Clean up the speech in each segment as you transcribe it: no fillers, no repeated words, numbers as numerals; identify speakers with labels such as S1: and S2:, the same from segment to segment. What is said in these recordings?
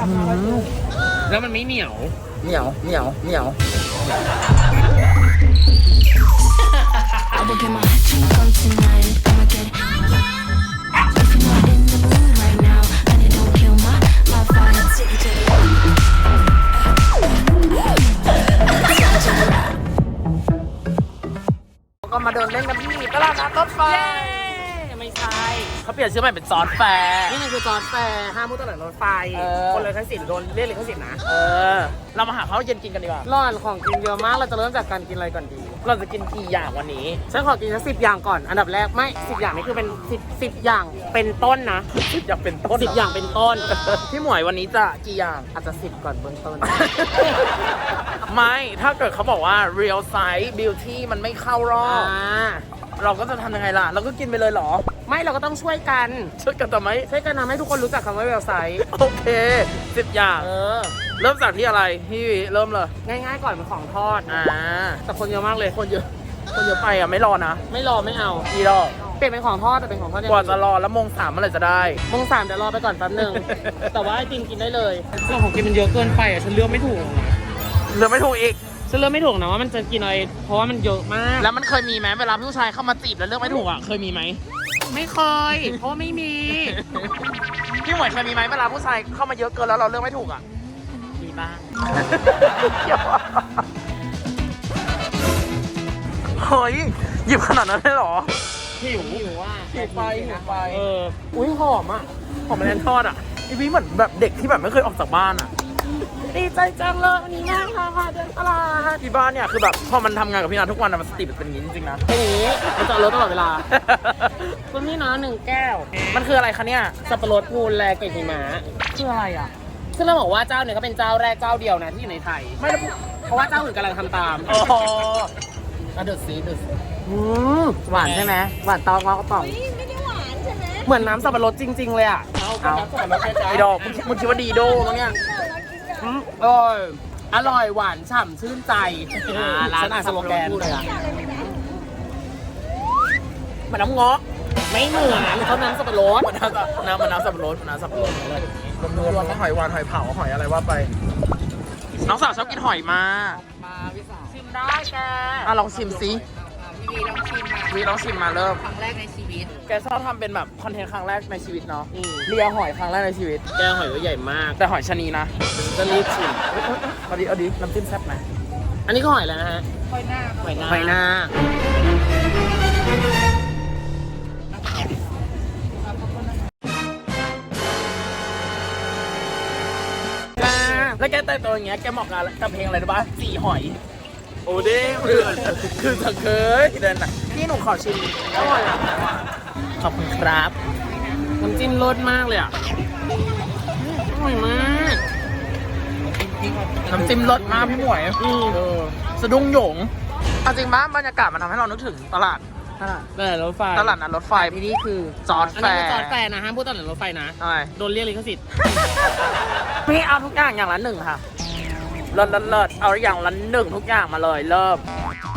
S1: แล้วมันไม่เหนียว
S2: เหนียว
S3: I will get my drink on tonight. I'ma get it. If you're not in the mood right now, and it don't kill my vibe. Take it to the
S2: ก็มาเดินเล่นกันที่ตลาดนัดรถไฟ
S1: ไม่ใช่
S2: เขาเปลี่ยนชื่อใหม่เป็นจอร์จแฟร์
S1: นี่มันคือจอร์จแฟร์ห้ามพูดตลาดรถไฟ คนเลยทั้งสิทธิ์โดนเรียกเลยทั้งสิทธิ์นะ
S2: เรามาหาข้าวเย็นกินกันดีกว่า
S1: ร่อนของกินเยอะมาก เราจะเริ่มจากการกินอะไรก่อนดี
S2: เราจะกินกี่อย่างวันนี้
S1: ฉันขอกินสัก10 อย่างก่อน อันดับแรกไม่10 อย่างนี่คือเป็น10อย่างเป็นต้นนะ
S2: อยากเป็นต้น
S1: 10 อย่างเป็นต้น
S2: พี่หมวยวันนี้จะกี่อย่าง
S1: อาจจะ10ก่อนเบื้องต้น
S2: ไม่ ถ้าเกิดเขาบอกว่า real size beauty มันไม่เข้ารอบ เราก็จะทำยังไงล่ะ เราก็กินไปเลยเหรอ
S1: ไม่เราก็ต้องช่วยกัน
S2: ช่วยกันทำไม
S1: ช่วยกันทำให้ทุกคนรู้จักคำว่าเวลไซต์
S2: โอเค10อย่าง เริ่มจากที่อะไรพี่เริ่มเลย
S1: ง่ายๆก่อนเป็นของทอด แต่คนเยอะมากเลย
S2: คนเยอะไปอ่ะไม่รอนะ
S1: ไม่รอไม่เอา
S2: กี่รอบ
S1: เปลี่ยนเป็นของทอดแต่เป็นของทอด
S2: กว่าจะรอแล้วโมง3เมื่อไหร่จะได้
S1: โมง3เดี๋ยวรอไปก่อนแป๊บนึง แต่ว่าไอติมกินได้เลยเรื่องของกินมันเยอะเกินไปอ่ะฉันเลือกไม่ถูก
S2: เหลือไม่ถูกอีก
S1: ฉันเลือกไม่ถูกนะว่ามันจะกินอะไรเพราะว่ามันเยอะมาก
S2: แล้วมันเคยมีไหมเวลาผู้ชายเข้ามาจีบแล้วเลือกไม่ถูกอ่ะเคยมีไหม
S1: ไม่เคย เพราะว่าไม่มี
S2: พี่หมวยเคยมีไหมเวลาผู้ชายเข้ามาเยอะเกินแล้วเราเลือกไม่ถูกอ่ะ
S1: มีบ้าง
S2: เฮ้ยหยิบขนาดนั้นเลยเหรอ
S1: หิวว่า
S2: หิวไป
S1: อุ้ยหอมอ่ะ
S2: หอมแมลงทอดอ่ะอีวีเหมือนแบบเด็กที่แบบไม่เคยออกจากบ้านอ่ะ
S1: ดีใจจังเลยวันนี้นั่งค่ะเดินตลาด
S2: ที่บ้านเนี่ยคือแบบพอมันทำงานกับพี่นาทุกวันอะมันสติเป็นอย่างนี้จริงๆนะ
S1: เป็นอย่างนี้มันจะรถตลอดเวลา คุณพี่นะ1 แก้ว
S2: มันคืออะไรคะเนี่ย
S1: สับปะรดพูนแลเกล็ดหิมะ
S2: คืออะไรอ่ะ
S1: ซึ่งเราบอกว่าเจ้าเนี่ยก็เป็นเจ้าแรกเจ้าเดียวนะที่อยู่ในไทย
S2: ไม่แล้ว
S1: เพราะว่าเจ้าอื่นกำลังทำตาม
S2: อ๋อ
S1: ดูสิหวานใช่ไหมหวานตองก็ป่องไม่ได้หวานใช่ไหมเหมือนน้ำสับปะรดจริง ๆ เลยอ่ะเอา
S2: ไอ้ดอกมึงคิดว่าดีโด้มั้งเนี่ย
S1: อร่อยหวานฉ่ำชื่นใจร้านอ่านสโลแกนเลยอ่ะ
S2: มันน้ำเงาะ
S1: ไม่เหมือนเขาน้ำสับปะรด
S2: มันน้ำสับปะรดมันน้ำสับปะรดรวมๆหอยหวานหอยเผาหอยอะไรว่าไป น้องสาวชอบกินหอยมาก
S1: ชิมได้แก
S2: ลองชิมซิวีลองชิมมาเริ่ม
S1: ครั้งแรกในชีวิต
S2: แกชอบทำเป็นแบบคอนเทนต์ครั้งแรกในชีวิตเนาะเลียหอยครั้งแรกในชีวิต
S1: แกหอยก็ใหญ่มาก
S2: แต่หอยชะนีนะ
S1: จะรีบชิม
S2: เอาดิน้ำจิ้มแซ่บไหม
S1: อันนี้ก็หอยแล้วนะฮะหอยนา
S2: แล้วแกแต่งตัวอย่างเงี้ยแกเหมาะกับเพลงอะไรรู้ป่ะสีหอยโอ้เด้เดือดคือเธอเคยเดินน่ะพี่หนูขอชิมอร่อยอ่ะขอบคุณครับ
S1: น้ำจิ้มรสมากเลยอ่ะอร่อยมาก
S2: น้ำจิ้มรสมากพี่หมวยสะดุ้งโหยงเอาจริงป่ะบรรยากาศมันทำให้เรานึกถึงตลาด
S1: รถไฟ
S2: ตลาดนัดรถไฟ
S1: ที่นี่คือ
S2: จอร์จ
S1: อัน
S2: แฟ
S1: นี้
S2: ร์
S1: คือจอร์จแฟร์นะห้ามพูดตลาดรถไฟนะ
S2: อะไร
S1: โดนเรียกลิขสิทธิ์
S2: พี่เอาทุกอย่างอย่างละ1ค่ะเลิศเอาอย่างละ1ทุกอย่างมาเลยเริ่ม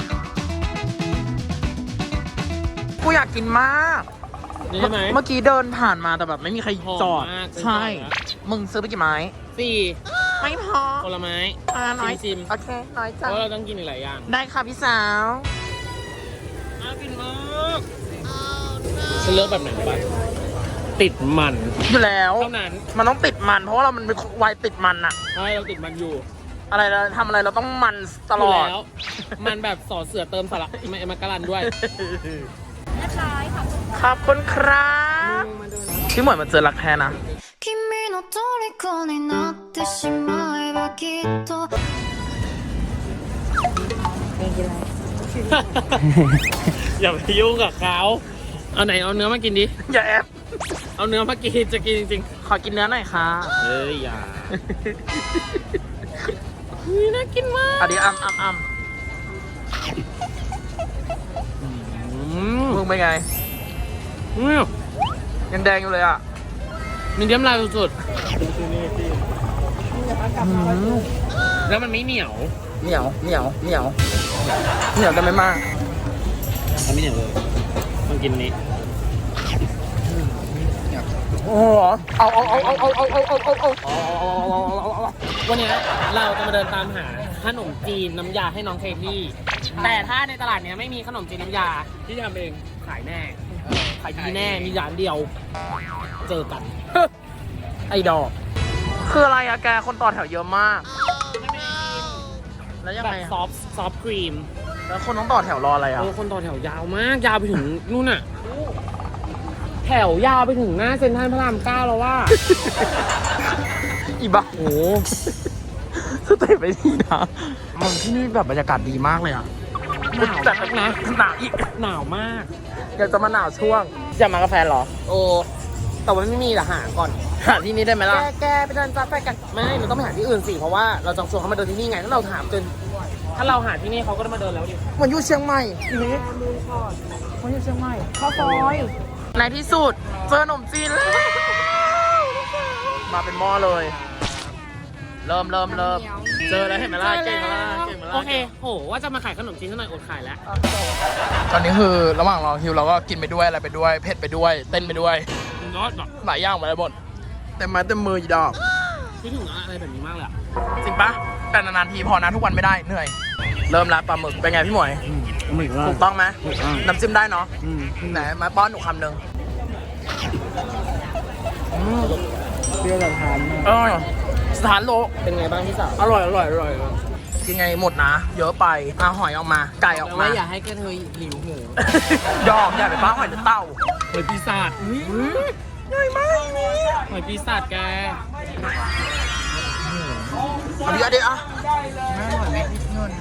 S2: กูอยากกินมาก
S1: นี่ใช่ไหม
S2: เมื่อกี้เดินผ่านมาแต่แบบไม่มีใครจอด
S1: หอมมาก
S2: ใช่ มึงซื้อไปกี่ไม้
S1: 4
S2: ไม่พอ
S1: ผลไม้
S2: น้อย
S1: ชิม
S2: โอเค น้อย
S1: เพ
S2: จัง
S1: ราะเราต้องกินอีกหลายอย่าง
S2: ได้ค่ะพี่สาว
S1: น่ากินมากฉันเลือกแบบไหนบ้างติดมัน
S2: อยู่แล้ว
S1: เท่านั้น
S2: มันต้องติดมัน เพราะว่าเรามันเป็นวัยติดมันอะ
S1: ใช่เราติดมันอยู่
S2: อะไรเราทำอะไรเราต้องมันตลอด
S1: ยู่แล้ว มันแบบสอเสือเติมสระมากะลันด้วย
S2: ขอบคุณครับพี่หมวยมาเจอรักแท้นะ
S3: 君の虜になってしまえばきっと
S1: อย่าไปยุ่งกับเขาเอาไหนเอาเนื้อมากินดิ
S2: อย่าแอบ
S1: เอาเนื้อมากินจะกินจริง
S2: ขอกินเนื้อหน่อยค่ะ
S1: ๆเฮ้ยอย่าน่ากินมาก
S2: อันนี้อ้ำมึงเป็นไง ยังแดงอยู่เลยอ่ะ
S1: มีเดียมลายสุดๆแล้วมันไม่เหนียว
S2: เหนียวกันไม่มาก
S1: มันไม่เหนียวเลยต้องกินนี้
S2: โอ้โหเอา
S1: วันนี้เราจะมาเดินตามหาขนมจีนน้ำยาให้น้องเคที่แต่ถ้าในตลาดเนี้ยไม่มีขนมจีนน้ำยาที่ทำเองขายแน่ขายดีแน่มีร้านเดียวเจอกัน ไอ้ดอก
S2: คืออะไรอะแกคนต่อแถวเยอะมาก แล้วยัง
S1: แบบ
S2: ไงอะ
S1: ซอฟครีม
S2: แล้วคนต้องต่อแถวรออะไรอะ
S1: คนต่อแถวยาวมากยาวไปถึงนู่นน่ะแถวยาวไปถึงหน้าเซ็นทรัลพระราม9แล้วว่า
S2: อีบ้า
S1: โอ้
S2: สเตปไปทีนะมันที่นี่แบบบรรยากาศดีมากเลยอะ
S1: หนาว
S2: จัด
S1: นะ
S2: หนาวอีก
S1: หนาวมาก
S2: อยากจะมาหนาวช่วงอยากมากาแฟเหรอ
S1: โอ้แต่ว่าไม่มีแต่หาก่อน
S2: หาที่นี่ได้ไหมล่ะ
S1: แกไปเดินจับไปกันไม่เราต้องไปหาที่อื่นสิเพราะว่าเราจะชวนเขามาเดินที่นี่ไงถ้าเราถามจนถ้าเราหาที่นี่เขาก็จะมาเดินแล้วดิ
S2: เหมือนอยู่เชียงใหม่เหมือนอยู่เชียงใหม่ข้าวซอยในที่สุดเจอขนมจีนแล้วมาเป็นหม้อเลย เริ่มเจอแล้วเห็นไหมล่ะเก่งไหมล่ะเก่งไหมล่ะ
S1: โอเคโหว่าจะมาขายขนมจีนซะหน่อยอดขายแล้ว
S2: ตอนนี้คือระหว่างรอคิวเราก็กินไปด้วยอะไรไปด้วยเผ็ดไปด้วยเต้นไปด้วย
S1: ยอดแบบ
S2: หลายอย่างมาเลยหมดเต็มไม้เต็มมืออีดอก
S1: คิดถึงอะไรแบบนี้มากเลยอะ
S2: จริงปะแต่นานๆทีพอนะทุกวันไม่ได้เหนื่อย เริ่มละปลาหมึกเป็นไงพี่หมวย
S1: ไม่ว่า
S2: ถูกต้องไหมน้ำจิ้มได้เนาะ
S1: อืม
S2: ไหนมาป้อนหนูคำหนึ่ง
S1: เปรี้ยวแบบทาน
S2: สถานโล
S1: เป็นไงบ้างพี่สาว
S2: อร่อยกินไงหมดนะ เยอะไปเอาหอยออกมา ไก่ออก
S1: แต่
S2: มา
S1: ว่าอย่าให้แกเธอหิวหู
S2: ยอมอย่าไปป้าหอยหรือเต่า
S1: หอยปีศาจ
S2: ใหญ่มากนี่
S1: หอยปีศาจแก
S2: เอาเยอะดิอ่ะแม่หอยไม่คิดเงิน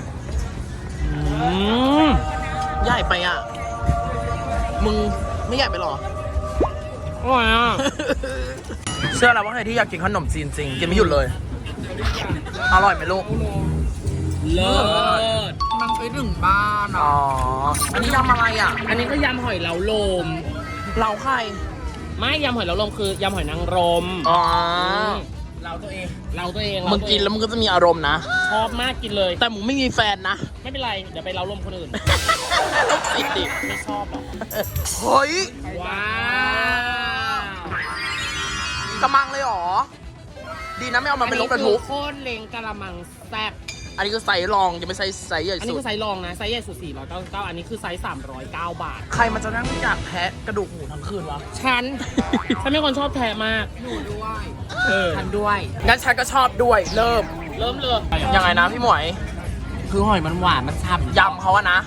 S2: ใหญ่ไปอ่ะ มึงไม่ใหญ่ไปหรอ
S1: อร่อยอ่ะ
S2: เชื่อแล้วว่าใครที่อยากกินขนมจีนจริงกินไม่หยุดเลย อร่อยไหมลูก
S1: เลิศ
S2: มันไปถึงบ้านอ๋อ อันนี้ยำอะไรอ่ะ
S1: อันนี้ก็ยำหอยเหลาลม
S2: เราใคร
S1: ไม่ยำหอยเหลาลมคือยำหอยนางรม
S2: อ๋อ
S1: เราตัวเองเราตัวเอง
S2: มึงกินแล้วมึงก็จะมีอารมณ์นะ
S1: ชอบมากกินเลย
S2: แต่มึงไม่มีแฟนนะ
S1: ไม่เป็นไร เดี๋ยวไปเล้าลมคนอื่น
S2: ต้องติดดิ
S1: ไม่ชอบหรอก
S2: เฮ้ย
S1: ว้าว
S2: กระมังเลยเหรอ ดีนะไม่เอามาเป็นรถบรรทุก
S1: โคตรเล็งกะละมังแซ่บ
S2: อันนี้คือไซส์รองจะไม่ใช่ไซส์ใหญ่
S1: อันนี้
S2: สุด
S1: คือไซส์รองนะ ไซส์ใหญ่สุด499อันนี้คือไซส์309 บาท
S2: ใครมันจะนั่งอยากแทะกระดูกหมูทั้งคืนวะ
S1: ฉัน ฉันเป็นคนชอบแทะมากหนูด้วยฉันด้วย
S2: งั้นฉันก็ชอบด้วย เริ่ม
S1: เริ่มเลย
S2: ยังไงนะพี่หมวย
S1: คือหอยมันหวานมันฉ่ำ
S2: ยำเขาอะนะ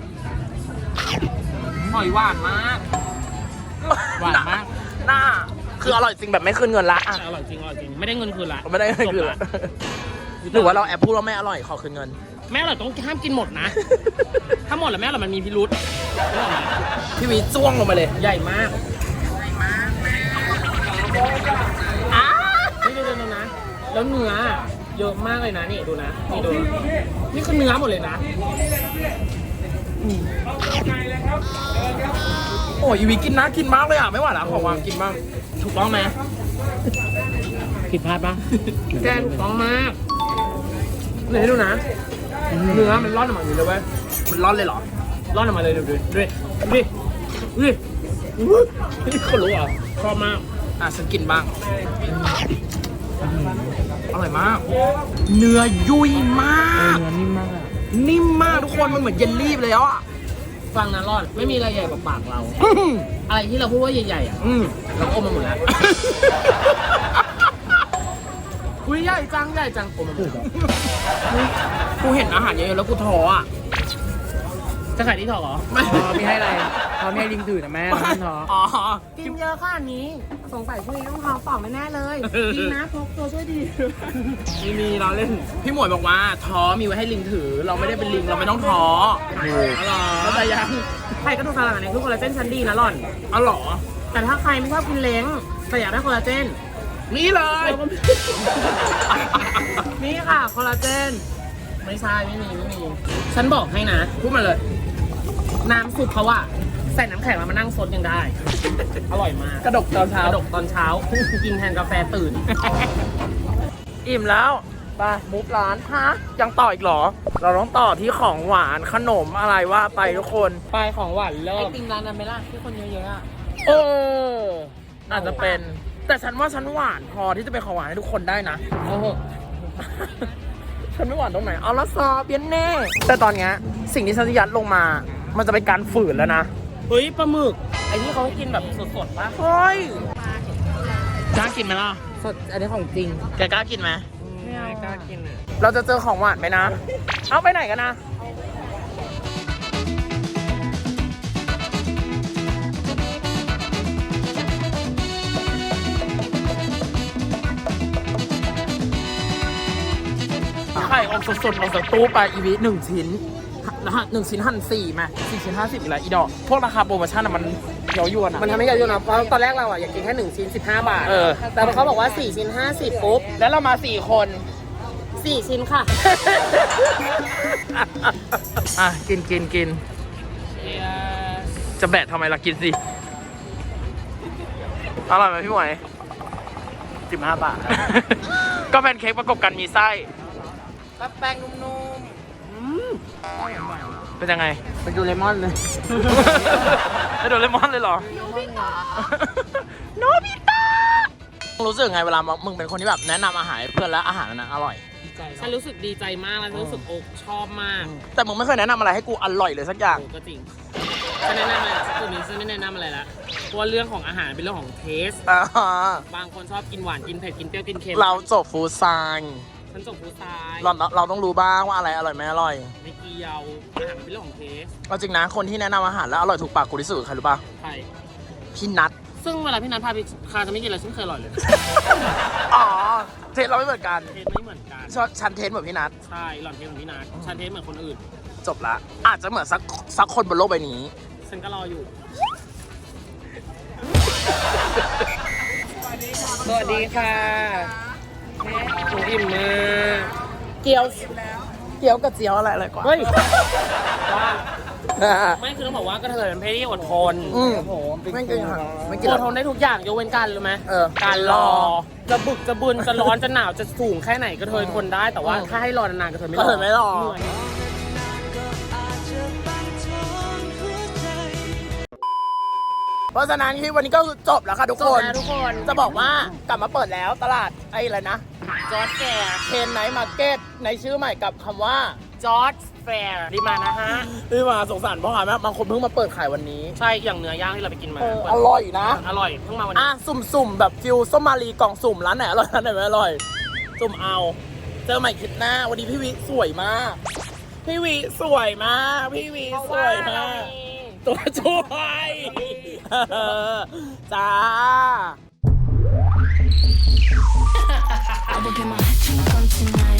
S1: หอยหวานมาก หวานมาก
S2: หน้า คืออร่อยจริงแบบไม่คืนเงินละอะ
S1: อร่อยจริงอร่อยจริง ไม่ได้เงินคืนละ
S2: ไม่ได้คืน
S1: จบ
S2: ละ
S1: ละ
S2: หรือว่าเราแอบพูดว่าไม่อร่อยขอคืนเงิน
S1: แม่อร่อยต้องห้ามกินหมดนะ ถ้าหมดแล้วแม่อร่อยมันมีพิรุษนึกออกไหม
S2: พี่วีจ้วงลงไปเลย
S1: ใหญ่มากนี่ดูนะ แล้วเนื้อเยอะมากเลยนะนี่ดูนะนี่ดูนี่คือเนื้อหมดเลยนะ
S2: โอ้ยอีวีกินนะกินมากเลยอ่ะไม่ไหวแล้วขอวางกินบ้าง
S1: ถูกต้องไหมผิดพลาดปะแกถูกต้องมากนี่ให้ดูนะ เนื้อมันร่อนออกมาอยู่เลยเว้ย
S2: มันร้อนเลยเหรอ
S1: ร่อนออกมาเลยดูนี่คนรู้เหรอชอบมาก
S2: อ่ะฉันกินบ้าง อร่อยมาก เนื้อยุ่ยมาก
S1: เนื้อนิ่มมากอะ
S2: นิ่มมากทุกคนมันเหมือนเยลลี่ไปเลยอ่ะ
S1: ฟังนะรอดไม่มีอะไรใหญ่กว่าปากเรา อะไรที่เราพูดว่าใหญ่ๆอ่ะ เราอมมาหมดแล้ว อุ้ยใหญ่จังอมมาหมดแล้ว
S2: กูเห็นอาหารเยอะๆแล้วกูท้ออ่ะ
S1: จะขายที่ถอเหรอ
S2: ไม่
S1: มีให้อะไรเขาไม่ให้ลิงถือนะแม่ไม่ท้อ
S2: อ๋อ
S4: กินเยอะขนาดนี้สงสัยช่วงนี้ต้องท้องป่องแน่ๆเลย ดีนะพกตัวช่วยดี
S1: มีเราเล่น
S2: พี่หมวยบอกว่าท้อมีไว้ให้ลิงถือ เราไม่ได้เป็นลิงเราไม่ต้องท้อ
S1: เข้าใจยัง
S4: ไข่กระดูกสันหลังเนี่ยคือคอลลาเจนชั้นดีนะหล่อน
S2: อ๋อเหรอ
S4: แต่ถ้าใครไม่ชอบกินเล้งแต่อยากได้คอลลาเจน
S2: นี่เลย
S4: นี่ค่ะคอลลาเจน
S1: ไม่ใช่ไม่มีฉันบอกให้นะ
S2: พูดมาเลย
S1: น้ำซุปเขาอะใส่น้ำแข็งแล้วมานั่งซดยังได้ อร่อยมาก
S2: กระดกตอนเช้า
S1: กระดกตอนเช้า กินแทนกาแฟตื่น
S2: อิ่มแล้วไปมุกร้านฮะยังต่ออีกเหรอ เราต้องต่อที่ของหวานขนมอะไรว่าไปทุกคน
S1: ปลายของหวานเลิ
S4: ไอก ติมร้านนั้นไหมล่ะที่คนเยอะๆอะ
S2: เอออาจจะเป็น แต่ฉันว่าฉันหวานพอที่จะเป็นของหวานให้ทุกคนได้นะ
S1: โอ้โห
S2: ฉันไม่หวานตรงไหนเอาละซอเบียนแน่ แต่ตอนเนี้ยสิ่งที่ฉันจะยัดลงมา มันจะเป็นการฝืนแล้วนะ
S1: เฮ้ยปลาหมึกไอ้ที่เขากินแบบสดๆปะ
S2: เฮ้ยกล้ากินไหมล่ะ
S1: สดอันนี้ของจริง
S2: แกกล้ากินไหม
S1: ไม่กล้ากินอ่ะ
S2: เราจะเจอของหวานไหมนะ เอาไปไหนกันนะ ไข่ออกสดๆออกจากตู้ไปอีวิ1 ชิ้นนะฮะ1 ชิ้นหั่น4ไหม4 ชิ้น 50อีกแล้วอีดอกพวกราคาโปรโมชั่นอะมันเยาวยวนอะ
S1: มันทำให้ยากอยู่นะเพราะตอนแรกเราอ่ะอยากกินแค่1ชิ้น15 บาท
S2: เออ
S1: แต่พอเขาบอกว่า4ชิ้น50ปุ๊บ
S2: แล้วเรามา4 คน
S1: 4ชิ้นค่ะ
S2: อ่ะ กิน จะแบะทำไมล่ะกินสิอร่อยไหมพี่หมวย15 บาท ก็เป็นเค้กประกบกันมีไส้
S1: แป้งนุ่ม
S2: เป็นยังไง
S1: ๆเป็นดูเลมอนเลย
S2: ไม่โดนเลมอนเลยเหรอ โนบิตะรู้สึกไงเวลามึงเป็นคนที่แบบแนะนำอาหารให้เพื่อนแล้วอาหารนั้นอร่อย
S1: ฉันรู้สึกดีใจมากแล้วฉันรู้สึกอกชอบมาก
S2: แต่มึงไม่เคยแนะนำอะไรให้กูอร่อยเลยสักอย่าง
S1: โอ้ก็จริงฉันแนะนำอะไรจุดนี้ฉันไม่แนะนำอะไรละเพราะว่าเรื่องของอาหารเป็นเรื่องของเทส
S2: อ่า
S1: บางคนชอบกินหวานกินเผ็ดกินเปรี้ยวกินเค็ม
S2: เราจบฟู้ดไซน์
S1: ฉันส่งผู้ชาย
S2: เราต้องรู้บ้างว่าอะไรอร่อยไม่อร่อย
S1: ไม่เกี่ยวอาหารเป็นเรื่องของเทส
S2: เอาจริงนะคนที่แนะนำอาหารแล้วอร่อยถูกปากกูที่สุดคือใครรู้ป่ะ
S1: ใช่
S2: พี่นัท
S1: ซึ่งเวลาพี่นัทพาไปคาจะไม่กินอะไรฉันเคยอร่อยเลย
S2: อ๋อเทสเราไม่เหมือนกัน
S1: เทสไม่เหมือนกัน
S2: ฉันเทสเหมือนพี่นัท
S1: ใช่หล่อนเทสเหมือนพี่นัทฉันเทสเหมือนคนอื่น
S2: จบละอาจจะเหมือนสักคนบนโลกใบนี้
S1: ฉันก็รออยู่ สวัสดีค่ะหนูอิ่มมาก
S2: เกี๊ยวกับเจียวอะไรกว่า
S1: เฮ้ยว่าไม่คือต้องบอกว่ากระเทยเป็นเพศที่อดทน
S2: ไม่กินค่ะไม่กิน
S1: อดทนได้ทุกอย่างยกเว้นการรู้ไหม
S2: เออ
S1: การรอ จะบึกจะบึนจะร้อนจะหนาวจะสูงแค่ไหนกระเทยทนได้แต่ว่าถ้าให้รอนานๆกระเทยไม่รอ
S2: กระเทยไม่รอ
S1: เหนื่อย
S2: เพราะฉะนั้นที่วันนี้ก็คือจบแล้วค่ะทุก
S1: จ
S2: ค
S1: บ
S2: น
S1: แล้วทุกคน
S2: จะบอกว่ากลับมาเปิดแล้วตลาดไอ้อะไรนะ
S1: จอร์จแฟร์
S2: เทนไนท์มาร์เก็ตในชื่อใหม่กับคำว่า
S1: จอร์จแฟร์ดีมานะฮะ
S2: ที่มาสงสารพ่อค้าแม่บางคนเพิ่งมาเปิดขายวันนี้
S1: ใช่อย่างเนื้อย่างที่เราไปกินมา
S2: อร่อยนะ
S1: อร่อยเพิ่งมาวันนี้
S2: สุ่มแบบฟิลส้มมารีกล่องสุ่มร้านไหนอร่อยร้านไหนไม่อร่อยสุ่มเอา เจอใหม่คลิปหน้าวันนี้พี่วิสวยมาก พี่วิสวยมาก พี่วิสวยมาก ตัวช่วยจ้า
S3: I will get my drink on tonight.